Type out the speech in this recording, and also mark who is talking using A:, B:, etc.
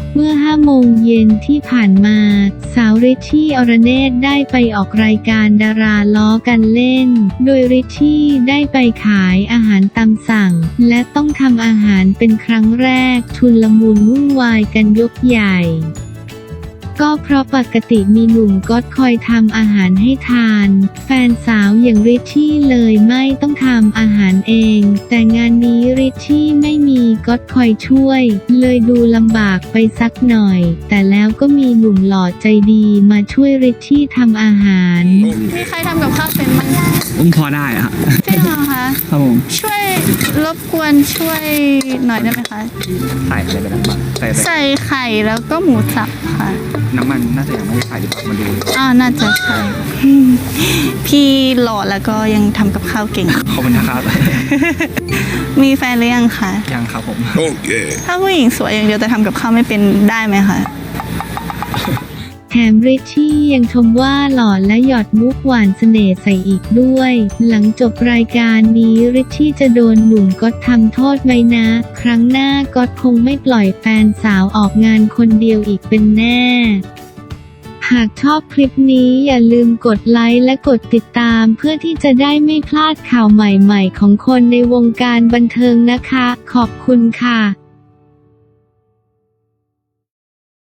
A: เมื่อ5 โมงเย็นที่ผ่านมาสาวริชชี่อรเนศได้ไปออกรายการดาราล้อกันเล่นโดยริชชี่ได้ไปขายอาหารตามสั่งและต้องทำอาหารเป็นครั้งแรกชุลมุนวุ่นวายกันยกใหญ่ก็เพราะปกติมีหนุ่มก๊อตคอยทำอาหารให้ทานแฟนสาวอย่างริชชี่เลยไม่ต้องทำอาหารเองแต่งานนี้ริชชี่ไม่มีก๊อตคอยช่วยเลยดูลำบากไปสักหน่อยแต่แล้วก็มีหนุ่มหล่อใจดีมาช่วยริชชี่ทำอาหาร
B: มีใครทำกับข้าวเป็นบ้าง
C: พอได้อะ
B: จริงเหรอคะ
C: ครับผม
B: ช่วยรบกวนช่วยหน่อยได้ไหมคะ
C: ใส่อะไรไปบ้าง
B: ใส่ไข่แล้วก็หมูสับค่ะ
C: น้ำมันน่าจะยังไม่ใส่ดีกว่ามันดู
B: น่าจะใช่พี่หล่อแล้วก็ยังทำกับข้าวเก่ง
C: ขอบคุณนะครับ
B: มีแฟนหรือยังคะ
C: ยังครับผม
D: โอเค
B: ถ้าผู้หญิงสวยอย่างเดียวแต่ทำกับข้าวไม่เป็นได้ไหมคะ
A: แถมริชชี่ยังชมว่าหล่อและหยอดมุกหวานเสน่ห์ใส่อีกด้วยหลังจบรายการนี้ริชชี่จะโดนหนุ่มก๊อตทำโทษไหมนะครั้งหน้าก๊อตคงไม่ปล่อยแฟนสาวออกงานคนเดียวอีกเป็นแน่หากชอบคลิปนี้อย่าลืมกดไลค์และกดติดตามเพื่อที่จะได้ไม่พลาดข่าวใหม่ๆของคนในวงการบันเทิงนะคะขอบคุณค่ะ